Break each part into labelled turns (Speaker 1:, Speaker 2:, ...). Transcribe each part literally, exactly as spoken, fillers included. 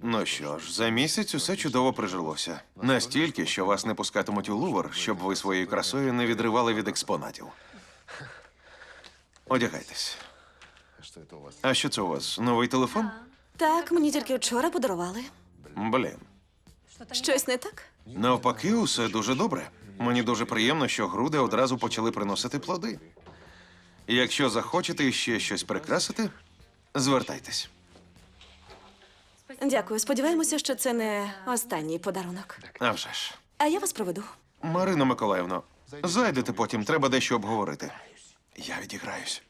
Speaker 1: Ну що ж, за місяць усе чудово прижилося. Настільки, що вас не пускатимуть у Лувр, щоб ви своєю красою не відривали від експонатів. Одягайтесь. А що це у вас? Новий телефон?
Speaker 2: Так, мені тільки вчора подарували.
Speaker 1: Блін.
Speaker 2: Щось не так?
Speaker 1: Навпаки, усе дуже добре. Мені дуже приємно, що груди одразу почали приносити плоди. Якщо захочете ще щось прикрасити, звертайтесь.
Speaker 2: Дякую. Сподіваємося, що це не останній подарунок.
Speaker 1: А вже ж.
Speaker 2: А я вас проведу.
Speaker 1: Марино Миколаївно, зайдете потім, треба дещо обговорити. Я відіграюсь.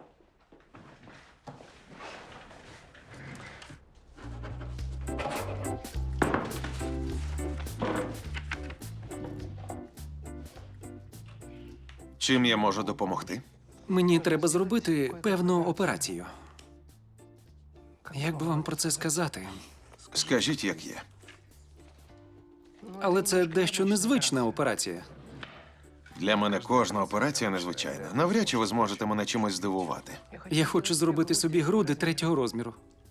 Speaker 1: Чим я можу допомогти?
Speaker 3: Мені треба зробити певну операцію. Як би вам про це сказати?
Speaker 1: Скажіть, як є.
Speaker 3: Але це дещо незвична операція.
Speaker 1: Для мене кожна операція незвичайна. Навряд чи ви зможете мене чимось здивувати.
Speaker 3: Я хочу зробити собі груди третього розміру.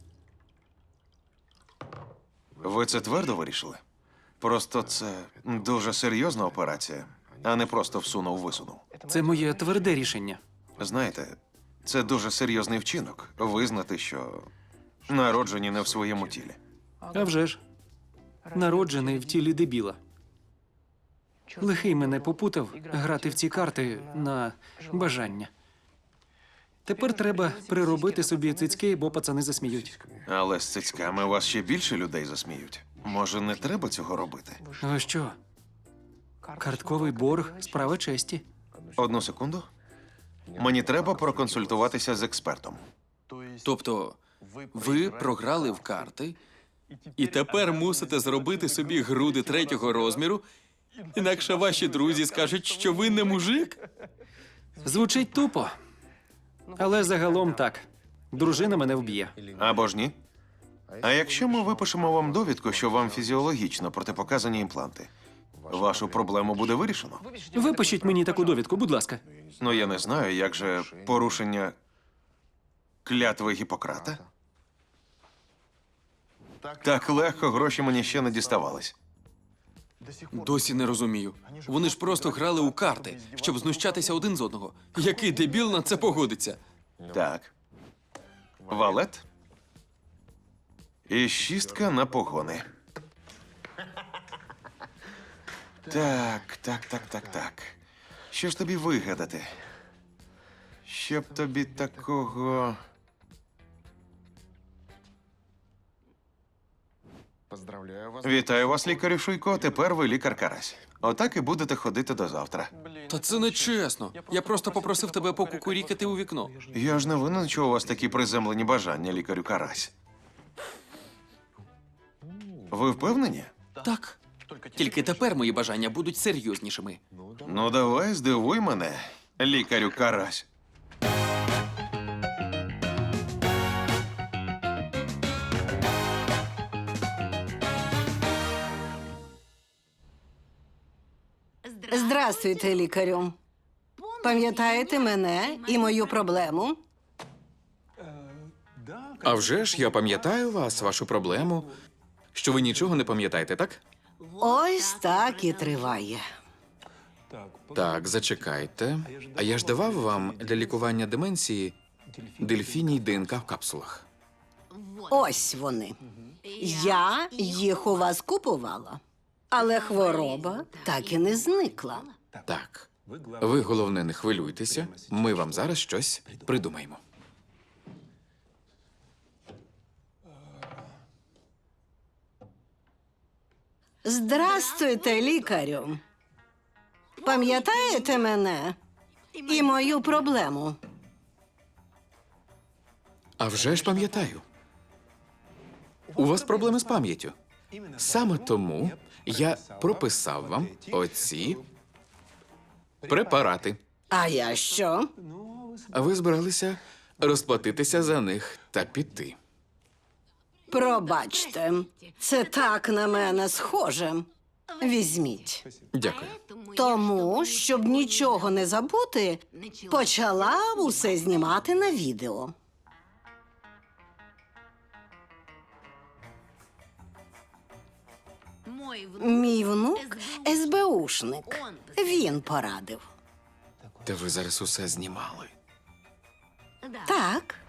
Speaker 1: Ви це твердо вирішили? Просто це дуже серйозна операція, а не просто всунув-висунув.
Speaker 3: Це моє тверде рішення.
Speaker 1: Знаєте, це дуже серйозний вчинок – визнати, що народжені не в своєму тілі.
Speaker 3: А вже ж. Народжений в тілі дебіла. Лихий мене попутав грати в ці карти на бажання. Тепер треба приробити собі цицьки, бо пацани засміють.
Speaker 1: Але з цицьками вас ще більше людей засміють. Може, не треба цього робити?
Speaker 3: Ви що? Картковий борг – справа честі.
Speaker 1: Одну секунду. Мені треба проконсультуватися з експертом.
Speaker 4: Тобто, ви програли в карти і тепер мусите зробити собі груди третього розміру, інакше ваші друзі скажуть, що ви не мужик?
Speaker 3: Звучить тупо. Але загалом так. Дружина мене вб'є.
Speaker 1: Або ж ні? А якщо ми випишемо вам довідку, що вам фізіологічно протипоказані імпланти, вашу проблему буде вирішено?
Speaker 3: Випишіть мені таку довідку, будь ласка.
Speaker 1: Ну, я не знаю, як же порушення клятви Гіппократа? Так легко гроші мені ще не діставались.
Speaker 4: Досі не розумію. Вони ж просто грали у карти, щоб знущатися один з одного. Який дебіл на це погодиться?
Speaker 1: Так. Валет. І шістка на погони. Так, так, так, так, так. Що ж тобі вигадати? Щоб тобі такого... Вітаю вас, лікарю Шуйко. Тепер ви лікар Карась. Отак і будете ходити до завтра.
Speaker 4: Та це не чесно. Я просто попросив тебе покукурікати у вікно.
Speaker 1: Я ж не винен, що у вас такі приземлені бажання, лікарю Карась. Ви впевнені?
Speaker 4: Так. Тільки тепер мої бажання будуть серйознішими.
Speaker 1: Ну, давай, здивуй мене, лікарю Карась.
Speaker 5: Здрастуйте, лікарю. Пам'ятаєте мене і мою проблему?
Speaker 6: А вже ж я пам'ятаю вас, вашу проблему. Що ви нічого не пам'ятаєте, так?
Speaker 5: Ось так і триває.
Speaker 6: Так, зачекайте. А я ж давав вам для лікування деменції дельфіній ДНК в капсулах.
Speaker 5: Ось вони. Я їх у вас купувала, але хвороба так і не зникла.
Speaker 6: Так. Ви, головне, не хвилюйтеся. Ми вам зараз щось придумаємо.
Speaker 5: Здрастуйте, лікарю. Пам'ятаєте мене і мою проблему?
Speaker 6: А вже ж пам'ятаю. У вас проблеми з пам'яттю. Саме тому я прописав вам оці препарати.
Speaker 5: А я що?
Speaker 6: А ви збиралися розплатитися за них та піти.
Speaker 5: Пробачте, це так на мене схоже. Візьміть.
Speaker 6: Дякую.
Speaker 5: Тому, щоб нічого не забути, почала усе знімати на відео. Мій внук ес-бе-ушник. Він порадив.
Speaker 6: Та ви зараз усе знімали.
Speaker 5: Так.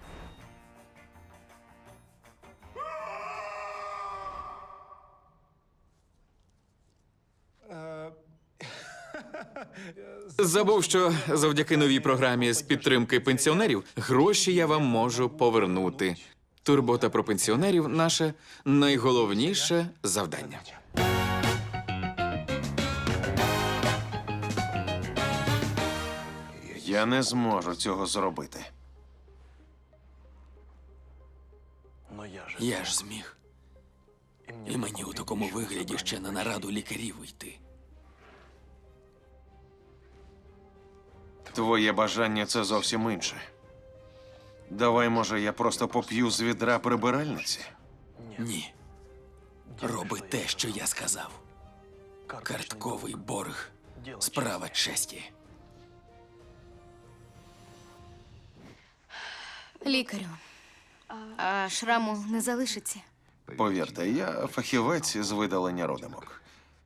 Speaker 6: Забув, що завдяки новій програмі з підтримки пенсіонерів гроші я вам можу повернути. Турбота про пенсіонерів наше найголовніше завдання.
Speaker 1: Я не зможу цього зробити.
Speaker 4: Я ж зміг. І мені у такому вигляді ще на нараду лікарів йти.
Speaker 1: Твоє бажання це зовсім інше. Давай, може, я просто поп'ю з відра прибиральниці?
Speaker 4: Ні. Роби те, що я сказав. Картковий борг. Справа честі.
Speaker 7: Лікарю, а шраму не залишиться?
Speaker 1: Повірте, я фахівець з видалення родимок.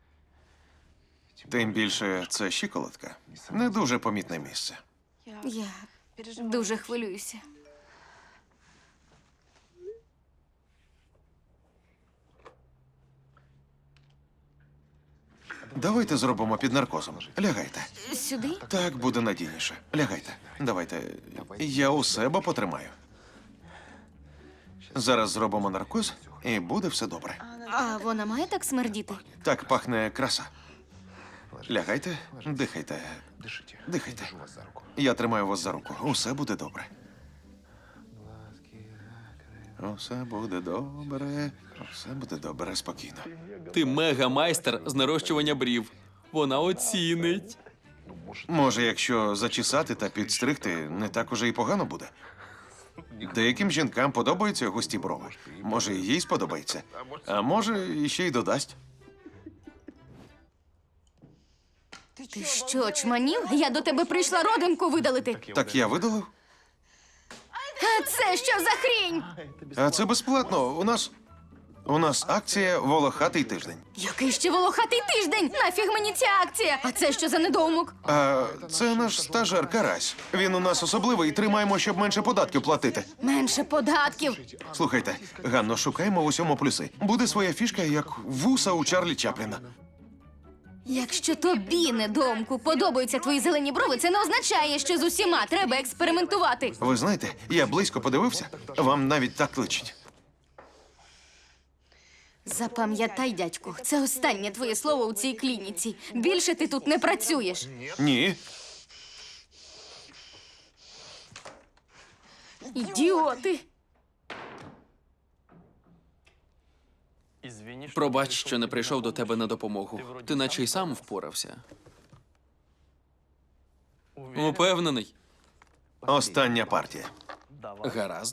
Speaker 1: Тим більше це щиколотка. Не дуже помітне місце.
Speaker 7: Я дуже хвилююся.
Speaker 1: Давайте зробимо під наркозом. Лягайте.
Speaker 7: Сюди?
Speaker 1: Так буде надійніше. Лягайте. Давайте. Я у себе потримаю. Зараз зробимо наркоз, і буде все добре.
Speaker 7: А вона має так смердіти?
Speaker 1: Так пахне краса. Лягайте, дихайте. Дихайте. Я тримаю вас за руку. Усе буде добре. Усе буде добре. Усе буде добре, спокійно.
Speaker 4: Ти мега-майстер з нарощування брів. Вона оцінить.
Speaker 1: Може, якщо зачесати та підстригти, не так уже і погано буде. Деяким жінкам подобаються густі брови. Може, і їй сподобається. А може, іще й додасть.
Speaker 7: Ти що, чманів? Я до тебе прийшла родимку видалити.
Speaker 1: Так я видалив?
Speaker 7: А це що за хрінь?
Speaker 1: А це безплатно. У нас. У нас акція волохатий тиждень.
Speaker 7: Який ще волохатий тиждень? Нафіг мені ця акція? А це що за недоумок?
Speaker 1: А це наш стажер Карась. Він у нас особливий і тримаємо, щоб менше податків платити.
Speaker 7: Менше податків.
Speaker 1: Слухайте, Ганно, шукаємо в усьому плюси. Буде своя фішка, як вуса у Чарлі Чапліна.
Speaker 7: Якщо тобі, недоумку, подобаються твої зелені брови, це не означає, що з усіма треба експериментувати.
Speaker 1: Ви знаєте, я близько подивився, вам навіть так личить.
Speaker 7: Запам'ятай, дядьку, це останнє твоє слово у цій клініці. Більше ти тут не працюєш.
Speaker 1: Ні.
Speaker 7: Ідіоти!
Speaker 4: Пробач, що не прийшов до тебе на допомогу. Ти наче й сам впорався. Упевнений.
Speaker 1: Остання партія.
Speaker 4: Гаразд.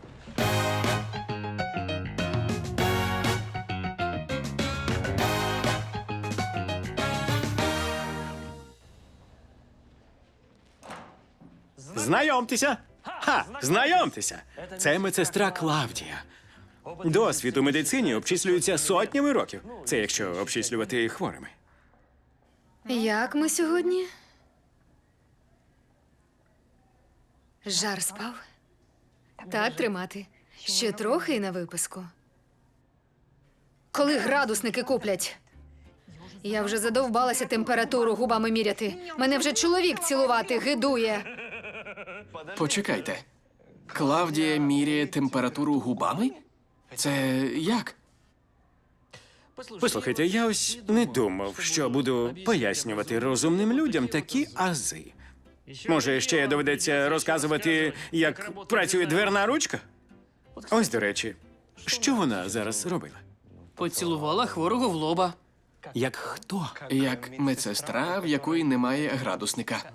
Speaker 8: Знайомтеся! Ха! Знайомтеся! Це медсестра Клавдія. Досвід у медицині обчислюється сотнями років. Це якщо обчислювати хворими.
Speaker 9: Як ми сьогодні? Жар спав? Так тримати. Ще трохи і на виписку. Коли градусники куплять? Я вже задовбалася температуру губами міряти. Мене вже чоловік цілувати гидує.
Speaker 10: Почекайте. Клавдія міряє температуру губами? Це як?
Speaker 8: Послухайте, я ось не думав, що буду пояснювати розумним людям такі ази. Може, ще доведеться розказувати, як працює дверна ручка? Ось, до речі, що вона зараз робила?
Speaker 10: Поцілувала хворого в лоба.
Speaker 8: Як хто?
Speaker 10: Як медсестра, в якої немає градусника.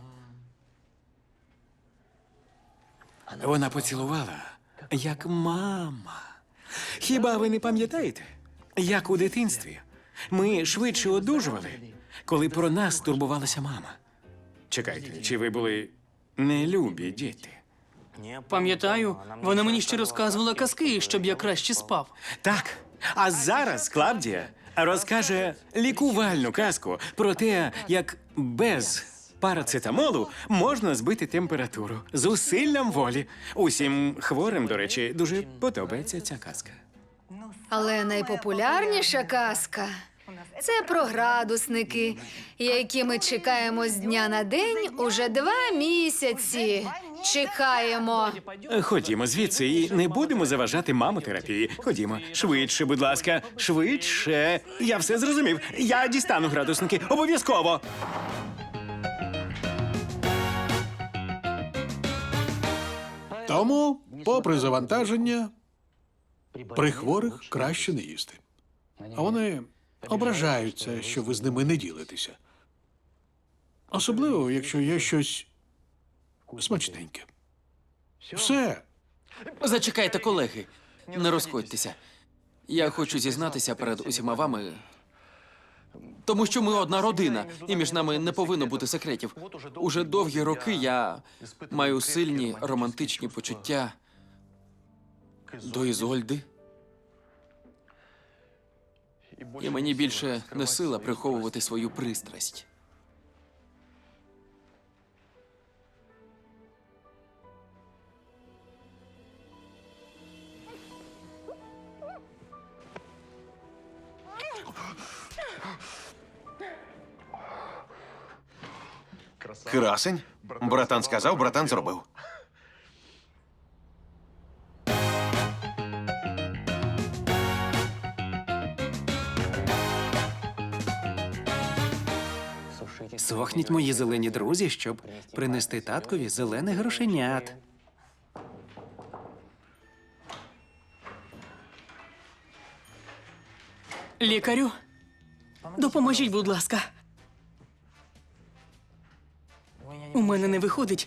Speaker 8: Вона поцілувала, як мама. Хіба ви не пам'ятаєте, як у дитинстві ми швидше одужували, коли про нас турбувалася мама? Чекайте, чи ви були нелюбі діти?
Speaker 10: Пам'ятаю, вона мені ще розказувала казки, щоб я краще спав.
Speaker 8: Так, а зараз Клавдія розкаже лікувальну казку про те, як без парацетамолу можна збити температуру з усиллям волі. Усім хворим, до речі, дуже подобається ця казка.
Speaker 9: Але найпопулярніша казка це про градусники, які ми чекаємо з дня на день уже два місяці. Чекаємо.
Speaker 8: Ходімо звідси і не будемо заважати мамотерапії. Ходімо, швидше, будь ласка, швидше. Я все зрозумів. Я дістану градусники. Обов'язково.
Speaker 11: Тому, попри завантаження, при хворих краще не їсти. А вони ображаються, що ви з ними не ділитеся. Особливо, якщо є щось смачненьке. Все.
Speaker 4: Зачекайте, колеги. Не розходьтеся. Я хочу зізнатися перед усіма вами. Тому що ми одна родина, і між нами не повинно бути секретів. Уже довгі роки я маю сильні романтичні почуття до Ізольди. І мені більше не сила приховувати свою пристрасть.
Speaker 1: Красень? Братан сказав, братан зробив.
Speaker 3: Сохніть мої зелені друзі, щоб принести таткові зелених грошенят.
Speaker 12: Лікарю, допоможіть, будь ласка. У мене не виходить.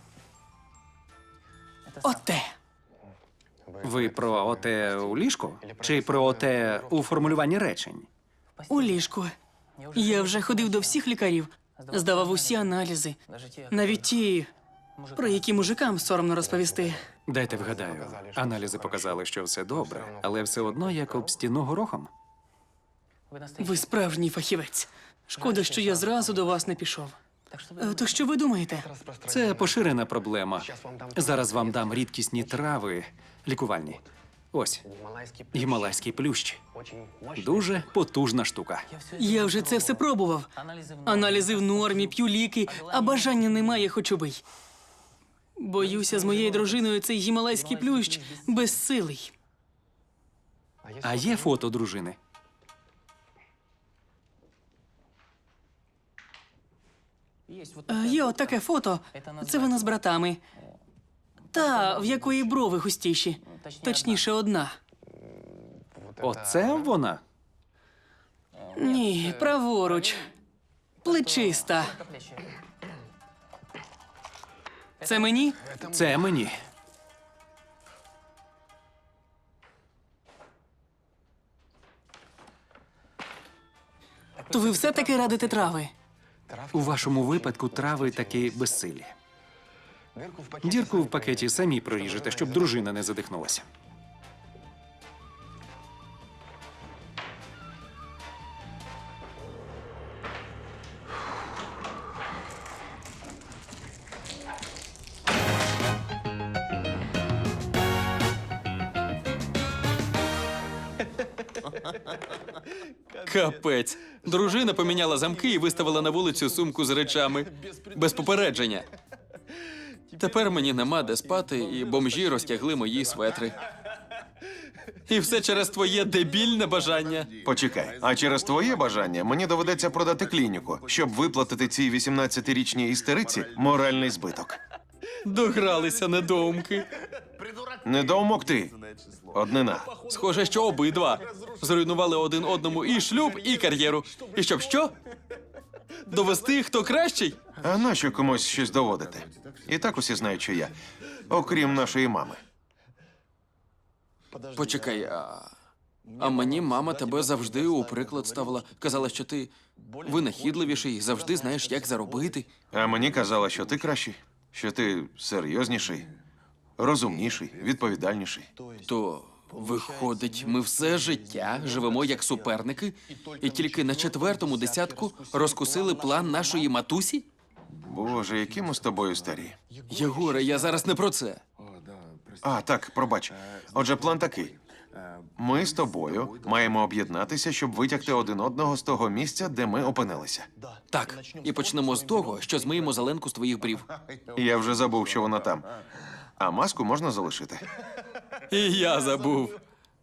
Speaker 12: Оте.
Speaker 3: Ви про оте у ліжку? Чи про оте у формулюванні речень?
Speaker 12: У ліжку. Я вже ходив до всіх лікарів, здавав усі аналізи. Навіть ті, про які мужикам соромно розповісти.
Speaker 3: Дайте вгадаю. Аналізи показали, що все добре, але все одно як об стіну горохом.
Speaker 12: Ви справжній фахівець. Шкода, що я зразу до вас не пішов. Е, То що ви думаєте?
Speaker 3: Це поширена проблема. Зараз вам дам рідкісні трави лікувальні. Ось, гімалайський плющ. Дуже потужна штука.
Speaker 12: Я вже це все пробував. Аналізи в нормі, п'ю ліки, а бажання немає, хоч убий. Боюся, з моєю дружиною цей гімалайський плющ безсилий.
Speaker 3: А є фото дружини?
Speaker 12: Е, Є от таке фото. Це вона з братами. Та, в якої брови густіші. Точніше, одна.
Speaker 3: Оце вона?
Speaker 12: Ні, праворуч. Плечиста. Це мені?
Speaker 3: Це мені.
Speaker 12: То ви все-таки радите трави?
Speaker 3: У вашому випадку трави таки безсилі. Дірку в пакеті самі проріжете, щоб дружина не задихнулася.
Speaker 4: Капець. Дружина поміняла замки і виставила на вулицю сумку з речами. Без попередження. Тепер мені нема де спати, і бомжі розтягли мої светри. І все через твоє дебільне бажання.
Speaker 1: Почекай, а через твоє бажання мені доведеться продати клініку, щоб виплатити цій вісімнадцятирічній істериці моральний збиток.
Speaker 4: Догралися недоумки.
Speaker 1: Недоумок ти. Однина.
Speaker 4: Схоже, що обидва зруйнували один одному і шлюб, і кар'єру. І щоб що? Довести, хто кращий?
Speaker 1: А нащо комусь щось доводити? І так усі знають, що я. Окрім нашої мами.
Speaker 4: Почекай, а... а мені мама тебе завжди у приклад ставила. Казала, що ти винахідливіший, завжди знаєш, як заробити.
Speaker 1: А мені казала, що ти кращий, що ти серйозніший, розумніший, відповідальніший.
Speaker 4: То Виходить, ми все життя живемо як суперники, і тільки на четвертому десятку розкусили план нашої матусі?
Speaker 1: Боже, які ми з тобою старі.
Speaker 4: Єгоре, я зараз не про це.
Speaker 1: А, так, пробач. Отже, план такий. Ми з тобою маємо об'єднатися, щоб витягти один одного з того місця, де ми опинилися.
Speaker 4: Так, і почнемо з того, що змиємо зеленку з твоїх брів.
Speaker 1: Я вже забув, що вона там. А маску можна залишити.
Speaker 4: І я забув.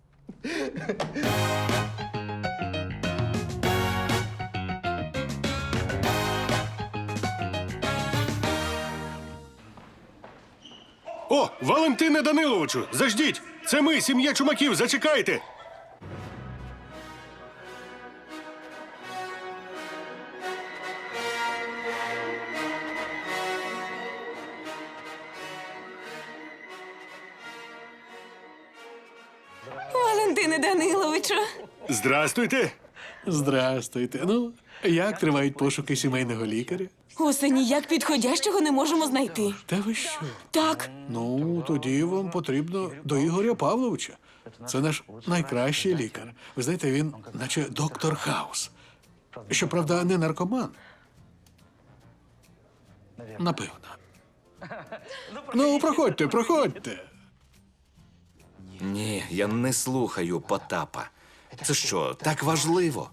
Speaker 13: О, Валентине Даниловичу, заждіть! Це ми, сім'я Чумаків, зачекайте!
Speaker 2: Валентине Даниловичу.
Speaker 13: Здрастуйте!
Speaker 11: Здрастуйте. Ну, як тривають пошуки сімейного лікаря?
Speaker 2: Усе ніяк підходящого не можемо знайти.
Speaker 11: Та ви що?
Speaker 2: Так,
Speaker 11: Ну, тоді вам потрібно до Ігоря Павловича. Це наш найкращий лікар. Ви знаєте, він наче доктор Хаус. Щоправда, не наркоман. Напевно. Ну, проходьте, проходьте.
Speaker 14: Ні, я не слухаю Потапа. Це що, так важливо?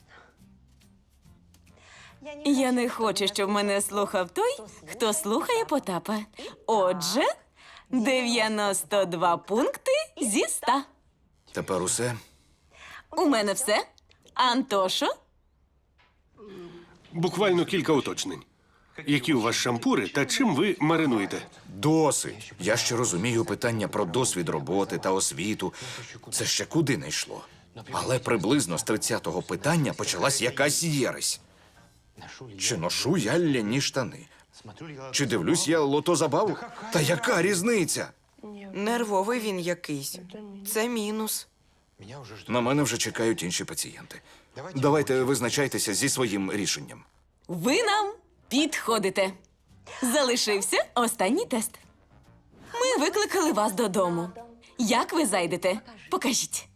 Speaker 2: я не хочу, щоб мене слухав той, хто слухає Потапа. Отже, дев'яносто два пункти зі ста.
Speaker 14: Тепер усе?
Speaker 2: У мене все. Антошо?
Speaker 13: Буквально кілька уточнень. Які у вас шампури та чим ви маринуєте?
Speaker 14: Досить. Я ще розумію питання про досвід роботи та освіту. Це ще куди не йшло. Але приблизно з тридцятого питання почалась якась єресь. Чи ношу я ляні штани? Чи дивлюсь я лото-забаву? Та яка різниця?
Speaker 15: Нервовий він якийсь. Це мінус.
Speaker 14: На мене вже чекають інші пацієнти. Давайте визначайтеся зі своїм рішенням.
Speaker 2: Ви нам підходите. Залишився останній тест. Ми викликали вас додому. Як ви зайдете? Покажіть.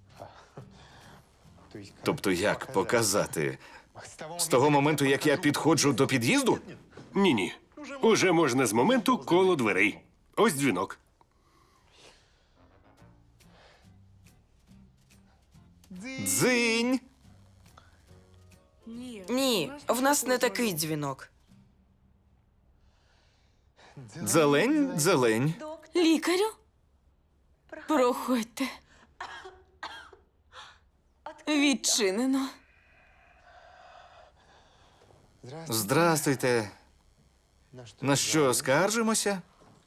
Speaker 14: Тобто як показати? З того моменту, як я підходжу до під'їзду?
Speaker 13: Ні-ні. Уже можна з моменту коло дверей. Ось дзвінок.
Speaker 14: Дзинь!
Speaker 15: Ні, в нас не такий дзвінок.
Speaker 14: Зелень, зелень.
Speaker 2: Лікарю? Проходьте. Відчинено.
Speaker 14: Здрастуйте. На що, скаржимося?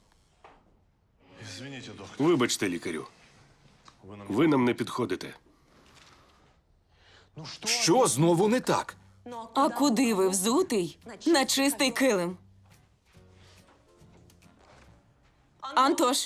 Speaker 13: Вибачте, лікарю. Ви нам не підходите.
Speaker 14: Що знову не так?
Speaker 2: А куди ви взутий? На чистий килим. Антош.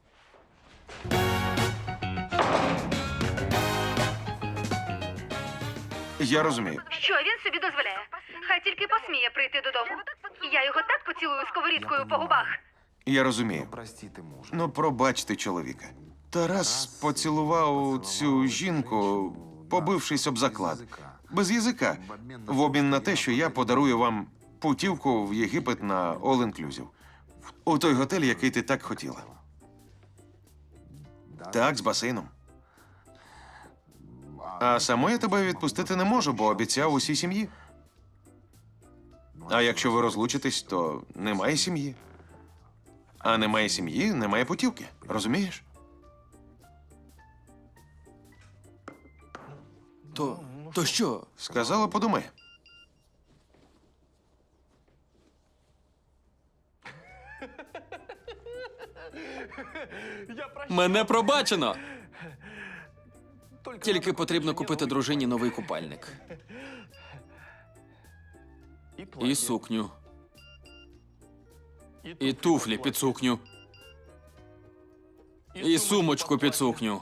Speaker 1: Я розумію.
Speaker 9: Що він собі дозволяє? Хай тільки посміє прийти додому. Я його так поцілую сковорідкою по губах.
Speaker 1: Я розумію. Ну, пробачте чоловіка. Тарас поцілував цю жінку, побившись об заклад. Без язика. В обмін на те, що я подарую вам путівку в Єгипет на all-inclusive. У той готель, який ти так хотіла. Так, з басейном. А саму я тебе відпустити не можу, бо обіцяв усій сім'ї. А якщо ви розлучитесь, то немає сім'ї. А немає сім'ї, немає путівки. Розумієш?
Speaker 4: То, то що?
Speaker 1: Сказала, подумай.
Speaker 4: Мене пробачено. Тільки потрібно купити дружині новий купальник. І сукню. І туфлі під сукню. І сумочку під сукню.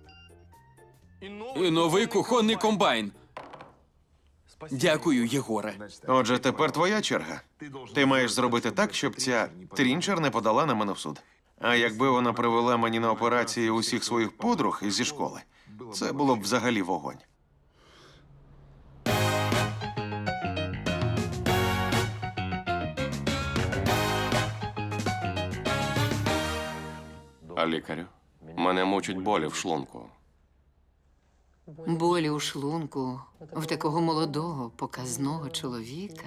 Speaker 4: І новий кухонний комбайн. Дякую, Єгоре.
Speaker 1: Отже, тепер твоя черга. Ти маєш зробити так, щоб ця трінчер не подала на мене в суд. А якби вона привела мені на операції усіх своїх подруг зі школи, це було б взагалі вогонь.
Speaker 16: А лікарю? Мене мучать болі в шлунку.
Speaker 17: Болі у шлунку в такого молодого, показного чоловіка.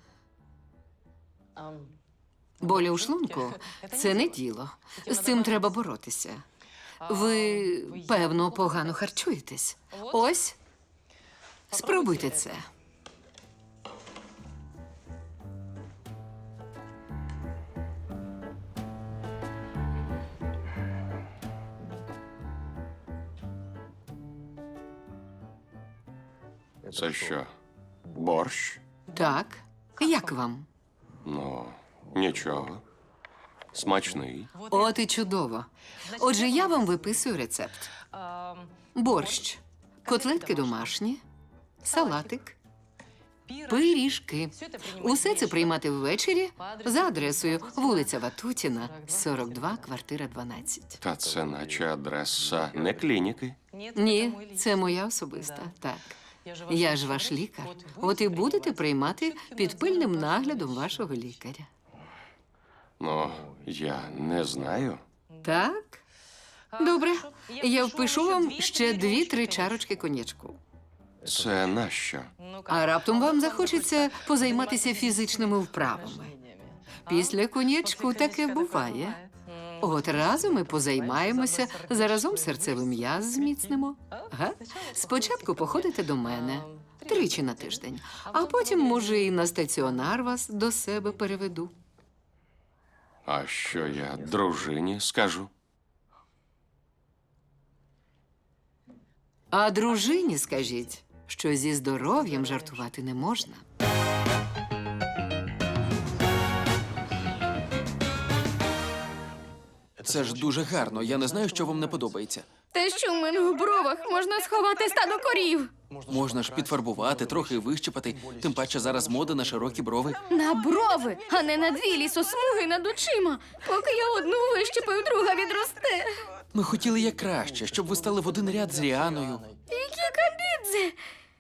Speaker 17: Болі у шлунку це не діло. З цим треба боротися. Ви, певно, погано харчуєтесь. Ось, спробуйте це.
Speaker 16: Це що? Борщ?
Speaker 17: Так, як вам?
Speaker 16: Ну, нічого. Смачний.
Speaker 17: От і чудово. Отже, я вам виписую рецепт. Борщ, котлетки домашні, салатик, пиріжки. Усе це приймати ввечері за адресою вулиця Ватутіна, сорок два, квартира дванадцять.
Speaker 16: Та це наче адреса не клініки.
Speaker 17: Ні, це моя особиста, так. Я ж ваш лікар. От і будете приймати під пильним наглядом вашого лікаря.
Speaker 16: Ну, я не знаю.
Speaker 17: Так? Добре. Я впишу вам ще дві-три чарочки коньячку.
Speaker 16: Це нащо?
Speaker 17: А раптом вам захочеться позайматися фізичними вправами. Після коньячку таке буває. От разом ми позаймаємося, заразом серцевий м'яз зміцнимо. Га? Спочатку походите до мене тричі на тиждень, а потім, може, і на стаціонар вас до себе переведу.
Speaker 16: А що я дружині скажу?
Speaker 17: А дружині скажіть, що зі здоров'ям жартувати не можна.
Speaker 4: Це ж дуже гарно. Я не знаю, що вам не подобається.
Speaker 7: Те, що в мене в бровах можна сховати стадо корів.
Speaker 4: Можна ж підфарбувати, трохи вищипати. Тим паче зараз мода на широкі брови.
Speaker 7: На брови, а не на дві лісосмуги над очима. Поки я одну вищипаю, друга відросте.
Speaker 4: Ми хотіли як краще, щоб ви стали в один ряд з Ріаною.
Speaker 7: Які кабідзе!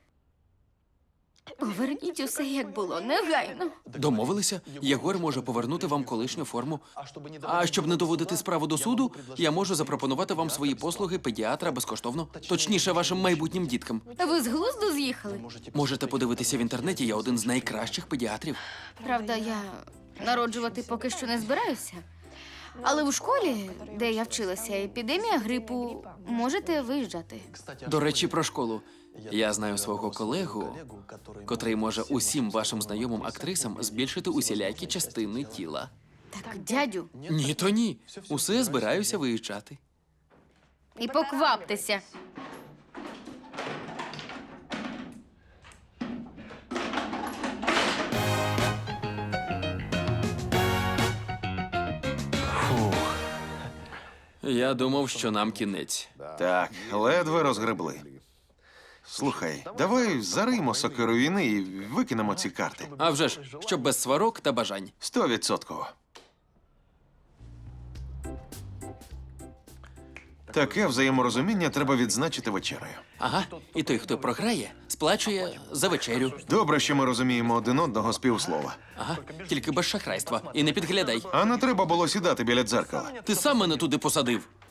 Speaker 7: Поверніть усе, як було, негайно.
Speaker 4: Домовилися? Єгор може повернути вам колишню форму. А щоб не доводити справу до суду, я можу запропонувати вам свої послуги педіатра безкоштовно. Точніше, вашим майбутнім діткам.
Speaker 7: Ви з глузду з'їхали?
Speaker 4: Можете подивитися в інтернеті, я один з найкращих педіатрів.
Speaker 7: Правда, я народжувати поки що не збираюся. Але в школі, де я вчилася, епідемія грипу, можете виїжджати.
Speaker 4: До речі, про школу. Я знаю свого колегу, котрий може усім вашим знайомим актрисам збільшити усілякі частини тіла.
Speaker 7: Так, дядю.
Speaker 4: Ні, то ні. Усе збираюся виїжджати.
Speaker 7: І покваптеся.
Speaker 4: Я думав, що нам кінець.
Speaker 1: Так, ледве розгребли. Слухай, давай зариймо сокиру війни і викинемо ці карти.
Speaker 4: А вже ж, щоб без сварок та бажань.
Speaker 1: Стовідсотково. Таке взаєморозуміння треба відзначити вечерею.
Speaker 4: Ага, і той, хто програє, сплачує за вечерю.
Speaker 1: Добре, що ми розуміємо один одного з півслова.
Speaker 4: Ага, тільки без шахрайства. І не підглядай.
Speaker 1: А не треба було сідати біля дзеркала.
Speaker 4: Ти сам мене туди посадив.